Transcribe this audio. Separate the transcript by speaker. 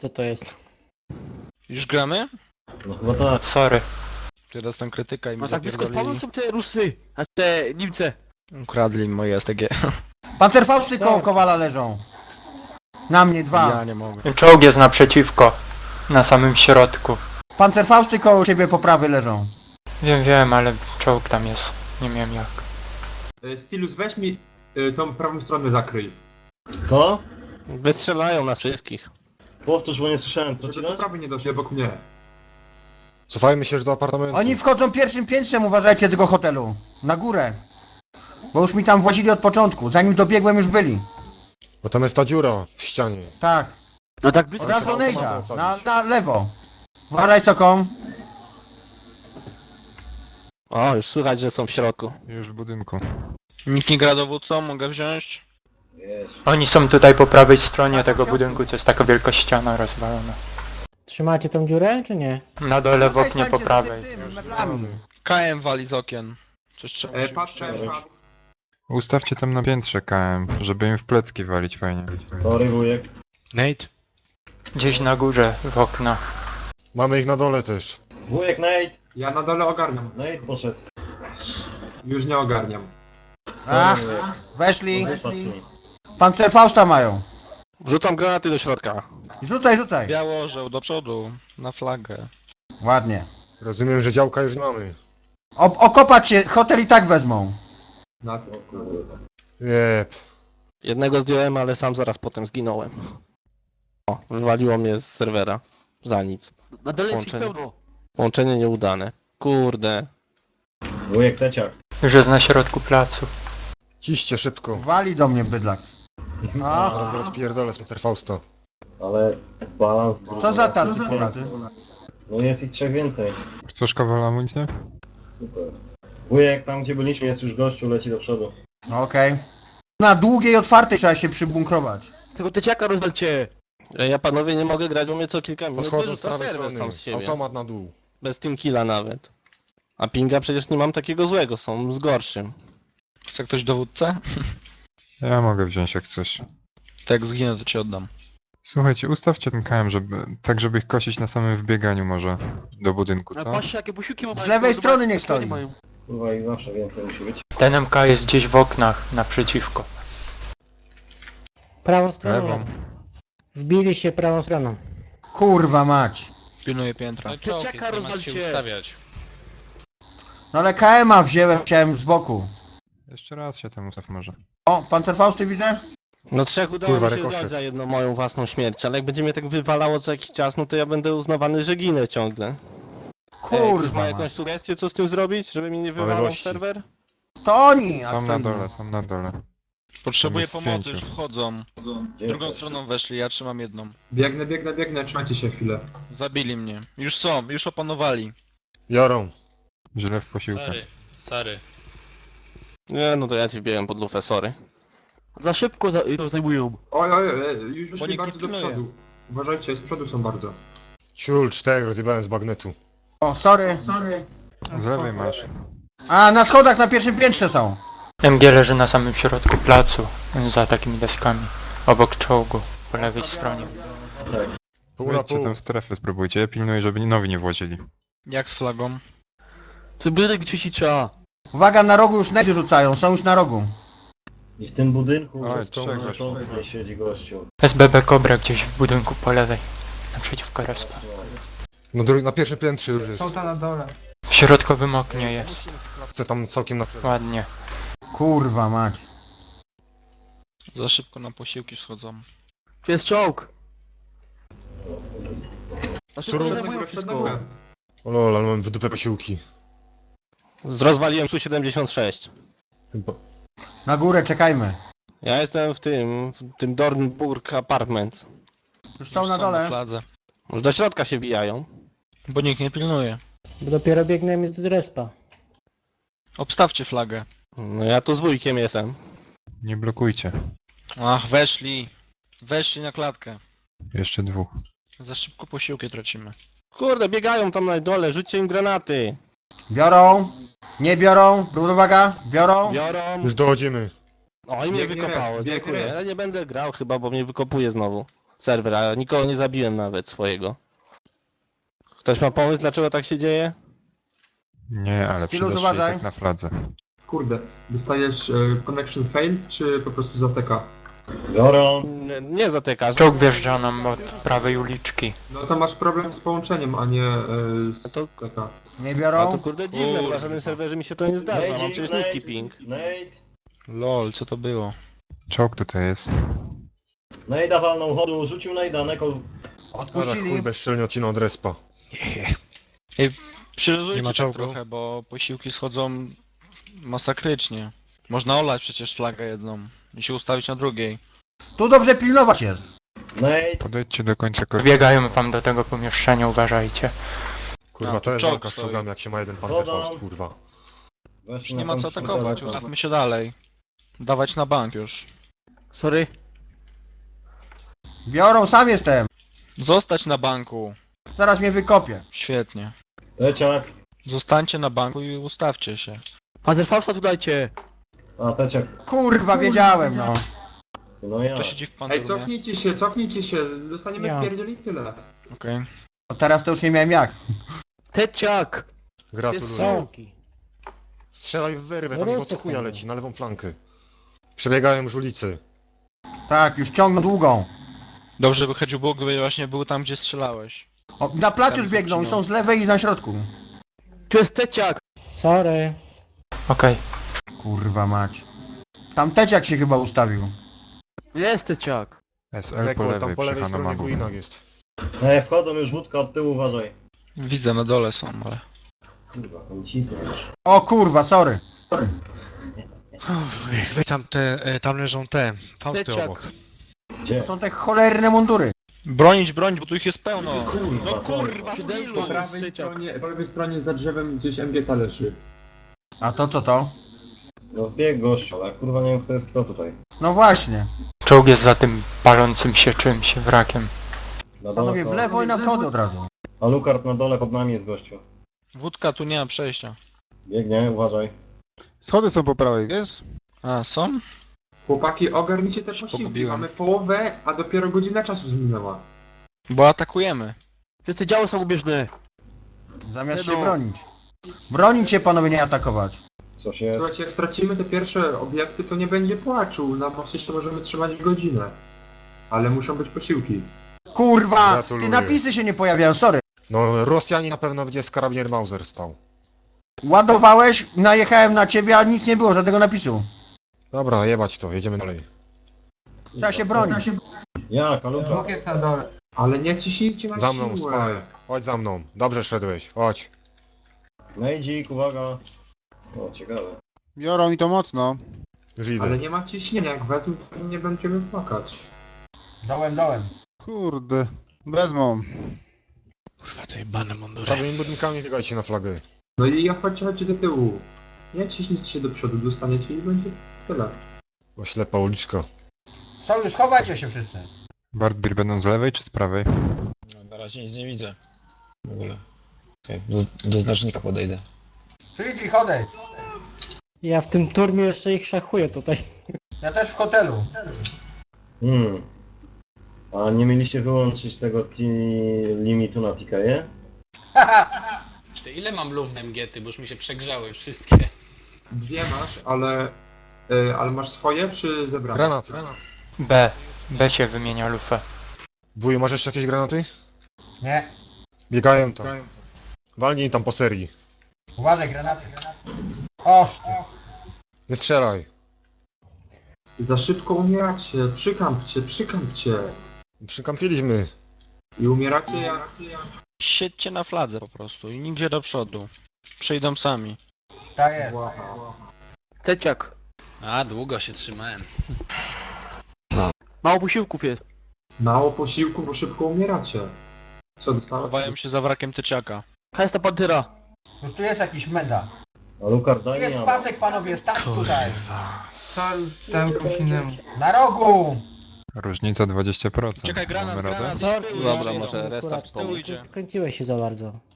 Speaker 1: Co to jest?
Speaker 2: Już gramy?
Speaker 3: No chyba tak.
Speaker 4: Sorry.
Speaker 2: Teraz tam krytyka i mi
Speaker 5: No tak blisko
Speaker 2: zapierdolili.
Speaker 5: spawnu są te Rusy, a te Niemcy.
Speaker 2: Ukradli moje STG.
Speaker 6: Pancerfausty koło Kowala leżą. Na mnie
Speaker 2: Ja
Speaker 6: dwa.
Speaker 2: nie mogę.
Speaker 4: Czołg jest naprzeciwko. Na samym środku.
Speaker 6: Pancerfausty koło ciebie po prawej leżą.
Speaker 4: Wiem, ale czołg tam jest. Nie wiem jak.
Speaker 7: Stylus, weź mi tą prawą stronę zakryj.
Speaker 3: Co?
Speaker 5: Wystrzelają nas wszystkich.
Speaker 3: Powtórz, bo nie słyszałem, co ci
Speaker 7: Żeby do
Speaker 3: dać?
Speaker 7: prawej nie doszli obok mnie.
Speaker 8: Cofajmy się już do apartamentu.
Speaker 6: Oni wchodzą pierwszym piętrzem, uważajcie, tego hotelu. Na górę. Bo już mi tam włazili od początku. Zanim dobiegłem już byli.
Speaker 8: Bo tam jest ta dziura w ścianie.
Speaker 6: Tak.
Speaker 5: No tak
Speaker 6: Od
Speaker 5: blisko.
Speaker 6: razu
Speaker 8: trzeba
Speaker 6: Nejda.
Speaker 8: automatem
Speaker 6: Na lewo. Uważaj Soką.
Speaker 5: O, już słychać, że są w środku.
Speaker 8: Już w budynku.
Speaker 2: Nikt nie gra dowódcą, mogę wziąć?
Speaker 3: Jest.
Speaker 4: Oni są tutaj po prawej stronie tego budynku, to jest taka wielka ściana rozwalona.
Speaker 1: Trzymacie tą dziurę, czy nie?
Speaker 4: Na dole w oknie po
Speaker 6: Stańcie
Speaker 4: prawej.
Speaker 6: z tym, meblami.
Speaker 2: KM wali z okien. Coś trzeba się
Speaker 7: Patrzę,
Speaker 2: uszczęść.
Speaker 9: Ustawcie tam na piętrze KM, żeby im w plecki walić fajnie.
Speaker 3: Sorry, wujek.
Speaker 2: Nate?
Speaker 4: Gdzieś na górze, w oknach.
Speaker 8: Mamy ich na dole też.
Speaker 3: Wujek, Nate!
Speaker 7: ja na dole ogarniam.
Speaker 3: Nate poszedł.
Speaker 7: Już nie ogarniam.
Speaker 6: Ach,
Speaker 3: Sorry, wujek.
Speaker 6: weszli.
Speaker 3: Wypadł mi.
Speaker 6: Pancerfausta mają.
Speaker 5: Wrzucam granaty do środka.
Speaker 6: Rzucaj.
Speaker 2: Białożeł do przodu, na flagę.
Speaker 6: Ładnie.
Speaker 8: Rozumiem, że działka już mamy.
Speaker 6: Okopać się, hotel i tak wezmą.
Speaker 7: Na
Speaker 3: O kurwa.
Speaker 8: Jep.
Speaker 5: Jednego zdjąłem, ale sam zaraz potem zginąłem. O, wywaliło mnie z serwera. Za nic.
Speaker 10: Na dole jest ich
Speaker 5: Połączenie.
Speaker 10: pełno.
Speaker 5: Połączenie nieudane. Kurde.
Speaker 3: Wujek, teciak.
Speaker 4: Już jest na środku placu.
Speaker 8: Ciście szybko.
Speaker 6: Wali do mnie bydlak. A,
Speaker 8: Zaraz go rozpierdolę z Mr. Fausta.
Speaker 3: Ale balans...
Speaker 6: co za tacy polacy?
Speaker 3: No jest ich trzech więcej.
Speaker 9: Chcesz kawala amunicję?
Speaker 3: Super. Wujek, tam gdzie byliśmy jest już gościu, leci do przodu.
Speaker 6: No okej. Na długiej otwartej trzeba się przybunkrować.
Speaker 10: Tego teciaka rozwalcie.
Speaker 5: Ja panowie nie mogę grać, bo mnie co kilka minut
Speaker 8: Podchodzą z
Speaker 5: wyrzuca
Speaker 8: prawej
Speaker 5: serwer
Speaker 8: strony.
Speaker 5: sam z siebie.
Speaker 8: Automat na dół.
Speaker 5: Bez team killa nawet. A pinga przecież nie mam takiego złego, są z gorszym.
Speaker 2: Chce ktoś dowódcę?
Speaker 9: Ja mogę wziąć jak coś.
Speaker 2: Tak jak zginę, to ci oddam.
Speaker 9: Słuchajcie, ustawcie ten KM, tak żeby ich kosić na samym wbieganiu może do budynku,
Speaker 10: A
Speaker 9: co?
Speaker 10: patrzcie jakie busiłki mają.
Speaker 6: Z lewej strony niech
Speaker 10: Kto nie
Speaker 6: stoi.
Speaker 10: mają?
Speaker 3: Kurwa, ich zawsze więcej musi być.
Speaker 4: Ten MK jest gdzieś w oknach, naprzeciwko.
Speaker 1: Prawą stroną.
Speaker 9: Lewą.
Speaker 1: Wbili się prawą stroną.
Speaker 6: Kurwa mać.
Speaker 2: Pilnuję piętra.
Speaker 10: Teciaka rozwalcie.
Speaker 6: No ale KM-a chciałem z boku.
Speaker 9: Jeszcze raz się tam ustaw może.
Speaker 6: O, pancerfausty widzę?
Speaker 5: No trzech udało
Speaker 8: Kurwa,
Speaker 5: mi się
Speaker 8: rykoszet.
Speaker 5: zdać za jedną moją własną śmierć, ale jak będzie mnie tak wywalało co jakiś czas, no to ja będę uznawany, że ginę ciągle. Ktoś ma
Speaker 6: Kurwa
Speaker 5: jakąś
Speaker 6: mać.
Speaker 5: sugestię, co z tym zrobić, żeby mi nie wywalał
Speaker 8: Możliwości.
Speaker 5: serwer?
Speaker 6: To oni! a
Speaker 9: Są
Speaker 6: kto
Speaker 9: na
Speaker 6: inny?
Speaker 9: dole, są na dole.
Speaker 2: Potrzebuję
Speaker 9: jest
Speaker 2: pomocy,
Speaker 9: pięciu.
Speaker 2: już wchodzą.
Speaker 3: Gdzie
Speaker 2: Drugą
Speaker 3: jesteś?
Speaker 2: stroną weszli, ja trzymam jedną.
Speaker 7: Biegnę, trzymajcie się chwilę.
Speaker 2: Zabili mnie. Już są, już opanowali.
Speaker 8: Biorą.
Speaker 9: Źle w posiłkach.
Speaker 5: Nie, no to ja ci wbiegam pod lufę, sorry.
Speaker 10: Za szybko to zajmują.
Speaker 7: Oj, już
Speaker 2: Bo
Speaker 7: wyszli
Speaker 2: nikt
Speaker 7: bardzo
Speaker 2: nie
Speaker 7: do
Speaker 2: pilnuje.
Speaker 7: przodu. Uważajcie, z przodu są bardzo.
Speaker 8: Ciul, 4 rozjebałem z bagnetu.
Speaker 6: O, sorry.
Speaker 9: Z lewej masz.
Speaker 6: A, na schodach na pierwszym piętrze są.
Speaker 4: MG leży na samym środku placu, za takimi deskami. Obok czołgu, po lewej stronie.
Speaker 8: Pół na
Speaker 9: Wejdźcie
Speaker 8: pół.
Speaker 9: tam strefy, spróbujcie. Ja pilnuję, żeby nowi nie włazili.
Speaker 2: Jak z flagą?
Speaker 10: Ten budynek czyścić trzeba.
Speaker 6: Uwaga, na rogu już nety rzucają, są już na rogu.
Speaker 3: I w tym budynku
Speaker 9: Oj,
Speaker 3: to
Speaker 9: trzech weszło.
Speaker 3: nie siedzi gościu.
Speaker 4: SBB Cobra gdzieś w budynku po lewej. Naprzeciwko respa.
Speaker 8: No na pierwszym piętrze już jest.
Speaker 4: W środkowym oknie jest.
Speaker 8: Chcę tam całkiem na...
Speaker 4: Ładnie.
Speaker 6: Kurwa mać.
Speaker 2: Za szybko na posiłki schodzą.
Speaker 10: Tu jest czołg. Na szybko
Speaker 8: Którą-
Speaker 10: zajmują wszystko.
Speaker 8: O lol, ale mam w dupę posiłki.
Speaker 5: Rozwaliłem Su-76.
Speaker 8: Chyba.
Speaker 6: Na górę czekajmy.
Speaker 5: Ja jestem w tym Dornburg Apartment.
Speaker 6: Już są
Speaker 2: Już
Speaker 6: na
Speaker 2: Na
Speaker 6: dole.
Speaker 2: fladze.
Speaker 5: Już do środka się bijają.
Speaker 2: Bo nikt nie pilnuje.
Speaker 1: Bo dopiero biegniemy z respa.
Speaker 2: Obstawcie flagę.
Speaker 5: No ja tu z wujkiem jestem.
Speaker 9: Nie blokujcie.
Speaker 2: Ach, weszli. Weszli na klatkę.
Speaker 9: Jeszcze dwóch.
Speaker 2: Za szybko posiłki tracimy.
Speaker 5: Kurde, biegają tam na dole, rzućcie im granaty.
Speaker 6: Biorą. Nie biorą. Uwaga, biorą.
Speaker 5: Biorą.
Speaker 8: Już dochodzimy.
Speaker 5: O, i mnie
Speaker 7: Biegnie
Speaker 5: wykopało,
Speaker 7: res, biegnie
Speaker 5: dziękuję.
Speaker 7: res.
Speaker 5: Ja nie będę grał chyba, bo mnie wykopuje znowu. serwer, a nikogo nie zabiłem nawet swojego. Ktoś ma pomysł, dlaczego tak się dzieje?
Speaker 9: Nie, ale
Speaker 6: Chwilu,
Speaker 9: przydasz się i
Speaker 6: uważaj.
Speaker 9: tak na fladze.
Speaker 7: Kurde, dostajesz connection failed, czy po prostu zateka?
Speaker 3: Biorą.
Speaker 5: Nie zatykasz.
Speaker 4: Czołg wjeżdża nam od prawej uliczki.
Speaker 7: No to masz problem z połączeniem, a nie
Speaker 5: A
Speaker 7: z
Speaker 5: to-
Speaker 7: taka.
Speaker 6: Nie
Speaker 5: A
Speaker 6: biorą?
Speaker 5: to kurde dziwne, bo na żadnym serwerze mi się to nie zdarza, mam przecież niski ping.
Speaker 3: Nate.
Speaker 2: Lol, co to było?
Speaker 9: Czołg tutaj jest.
Speaker 3: Nade'a walnął chodu, rzucił Nade'a, Nekol.
Speaker 8: Ale
Speaker 6: Odpuścili.
Speaker 8: chuj bezczelnie odcinał od respa.
Speaker 2: Przyluzujcie
Speaker 8: Nie ma
Speaker 2: tak
Speaker 8: czołgu.
Speaker 2: trochę, bo posiłki schodzą masakrycznie. Można olać przecież flagę jedną i się ustawić na drugiej.
Speaker 6: Tu dobrze pilnować jest.
Speaker 3: Nate.
Speaker 9: Podejdźcie do końca korytarza.
Speaker 4: Biegają wam do tego pomieszczenia, uważajcie.
Speaker 8: Kurwa,
Speaker 2: A,
Speaker 8: to jest
Speaker 2: czołg
Speaker 8: walka z
Speaker 2: stoi.
Speaker 8: czołgami, jak się ma jeden pancerfaust,
Speaker 3: Chodam.
Speaker 8: kurwa.
Speaker 3: Weź
Speaker 2: Już nie ma co atakować, ustawmy się dalej. Dawać na bank już.
Speaker 10: Sorry.
Speaker 6: Biorą, sam jestem.
Speaker 2: Zostać na banku.
Speaker 6: Zaraz mnie wykopię.
Speaker 2: Świetnie.
Speaker 3: Teciak.
Speaker 2: Zostańcie na banku i ustawcie się.
Speaker 10: Panzerfausta tu dajcie.
Speaker 3: A, Teciak.
Speaker 6: Kurwa, wiedziałem, no.
Speaker 3: No ja.
Speaker 2: Kto siedzi w
Speaker 7: Ej,
Speaker 2: pancerzu?
Speaker 7: cofnijcie się, dostaniemy
Speaker 1: Ja.
Speaker 7: wpierdzieli tyle.
Speaker 2: Okej.
Speaker 6: To teraz to już nie miałem jak.
Speaker 10: Teciak.
Speaker 8: Gratuluję.
Speaker 1: Sołki.
Speaker 8: Strzelaj w wyrwę, tam
Speaker 1: Rusy
Speaker 8: ich od chuja
Speaker 1: tam.
Speaker 8: leci, na lewą flankę. Przebiegają już ulicy.
Speaker 6: Tak, już ciągną długą.
Speaker 2: Dobrze, by chodził Bóg, by właśnie był tam, gdzie strzelałeś.
Speaker 6: O, na plac
Speaker 2: Tam
Speaker 6: już biegną i
Speaker 2: zaczynał.
Speaker 6: są z lewej i na środku.
Speaker 10: Tu jest teciak.
Speaker 1: Sorry.
Speaker 4: Okej.
Speaker 6: Kurwa mać. Tam teciak się chyba ustawił.
Speaker 10: Jest teciak.
Speaker 9: SL po
Speaker 8: Nekol, tam
Speaker 9: lewej,
Speaker 8: po lewej
Speaker 9: przy
Speaker 8: stronie w
Speaker 9: Hanomagu.
Speaker 8: ruinach jest.
Speaker 3: Ej, wchodzą już wódka od tyłu, uważaj.
Speaker 2: Widzę, na dole są, ale...
Speaker 3: Kurwa, on cisnie już.
Speaker 6: O kurwa, sorry.
Speaker 11: Wy tam leżą te fausty
Speaker 10: Teciak.
Speaker 11: obok.
Speaker 3: Gdzie?
Speaker 6: To są te cholerne mundury.
Speaker 2: Bronić, bo tu ich jest pełno.
Speaker 3: Kurwa,
Speaker 2: No
Speaker 3: sorry.
Speaker 2: kurwa,
Speaker 10: Siódemką.
Speaker 2: ilu?
Speaker 7: Po lewej stronie za drzewem gdzieś MGK leży.
Speaker 6: A to co to?
Speaker 3: No wbieg gościu, ale kurwa nie wiem kto jest kto tutaj.
Speaker 6: No właśnie.
Speaker 4: Czołg jest za tym palącym się czymś, wrakiem.
Speaker 3: Na dole
Speaker 6: Panowie, w
Speaker 3: są.
Speaker 6: lewo i na schody od razu.
Speaker 3: A Lukard na dole pod nami jest gościu.
Speaker 2: Wódka, tu nie ma przejścia.
Speaker 3: Biegnie, uważaj.
Speaker 9: Schody są po prawej, wiesz?
Speaker 2: A, są?
Speaker 7: Chłopaki, ogarnijcie te posiłki,
Speaker 2: pogubiłem.
Speaker 7: mamy połowę, a dopiero godzina czasu zminęła.
Speaker 2: Bo atakujemy.
Speaker 10: Wszyscy działo samobieżne.
Speaker 6: Zamiast
Speaker 10: Tylu.
Speaker 6: się bronić. Bronić się, panowie, nie atakować.
Speaker 3: Co się...
Speaker 7: Słuchajcie, jak stracimy te pierwsze obiekty, to nie będzie płaczu. Na moście jeszcze możemy trzymać godzinę. Ale muszą być posiłki.
Speaker 6: Kurwa!
Speaker 8: Gratuluję.
Speaker 6: Ty napisy się nie pojawiają, sorry.
Speaker 8: No, Rosjanie na pewno będzie z karabinier Mauser stał.
Speaker 6: Ładowałeś, najechałem na ciebie, a nic nie było, żadnego napisu.
Speaker 8: Dobra, jebać to, jedziemy dalej.
Speaker 6: Trzeba się bronić.
Speaker 3: Jak, a Lukard?
Speaker 7: Ale nie ciśnijcie na
Speaker 8: Za mną,
Speaker 7: siłę.
Speaker 8: spaj. Chodź za mną. Dobrze szedłeś, chodź.
Speaker 3: Nejdzik, uwaga. O, ciekawe.
Speaker 9: Biorą i to mocno.
Speaker 8: Już idę.
Speaker 7: Ale nie ma ciśnienia, jak wezmę, to nie będziemy płakać.
Speaker 6: Dołem, dołem.
Speaker 9: Kurde, wezmą.
Speaker 11: Kurwa, te jebane mundury.
Speaker 8: Prawymi budynkami biegajcie na flagę.
Speaker 7: No i chodźcie do tyłu. Nie ciśnijcie się do przodu, dostaniecie i będzie tyle.
Speaker 8: Bo ślepa uliczka.
Speaker 6: Sojusz, chowajcie się wszyscy.
Speaker 9: Bardbir będą z lewej czy z prawej?
Speaker 11: No, na razie nic nie widzę. W ogóle. Okej, do znacznika podejdę.
Speaker 6: Friedrich, odejdź.
Speaker 1: Ja w tym turmie jeszcze ich szachuję tutaj.
Speaker 6: Ja też w hotelu.
Speaker 3: A nie mieliście wyłączyć tego limitu na TKE?
Speaker 11: Ty ile mam luf na MGety, bo już mi się przegrzały wszystkie.
Speaker 7: Dwie masz, ale masz swoje czy zebrane?
Speaker 8: Granat.
Speaker 4: B się wymienia lufę.
Speaker 8: Wuju, masz jeszcze jakieś granaty?
Speaker 6: Nie.
Speaker 8: Biegają tam. Walnij tam po serii.
Speaker 6: Uważaj, granaty. Oż ty.
Speaker 8: Nie strzelaj.
Speaker 7: Za szybko umieracie, przykampcie.
Speaker 8: Przykampiliśmy.
Speaker 7: I umieracie jak...
Speaker 2: Siedźcie na fladze po prostu i nigdzie do przodu. Przyjdą sami.
Speaker 6: Tak jest.
Speaker 10: Teciak.
Speaker 11: A, długo się trzymałem.
Speaker 10: Mało posiłków jest.
Speaker 7: Mało posiłku, bo szybko umieracie. Co dostałem?
Speaker 2: Chowają się za wrakiem tyczaka.
Speaker 10: Kasta pantera.
Speaker 6: Już tu jest jakiś menda.
Speaker 3: A Lukard,
Speaker 6: Tu
Speaker 3: daj mi
Speaker 6: jest
Speaker 3: ammo.
Speaker 6: pasek, panowie, stać tutaj.
Speaker 7: Dałem komuś innemu.
Speaker 6: Na rogu.
Speaker 9: Różnica 20%.
Speaker 2: Czekaj, granat,
Speaker 9: Mamy radę?
Speaker 2: granat.
Speaker 1: Sorry.
Speaker 5: Dobra,
Speaker 2: Idą.
Speaker 5: może restart
Speaker 1: Akurat
Speaker 2: z tyłu
Speaker 5: pomóc.
Speaker 2: idzie.
Speaker 1: kręciłeś się za bardzo.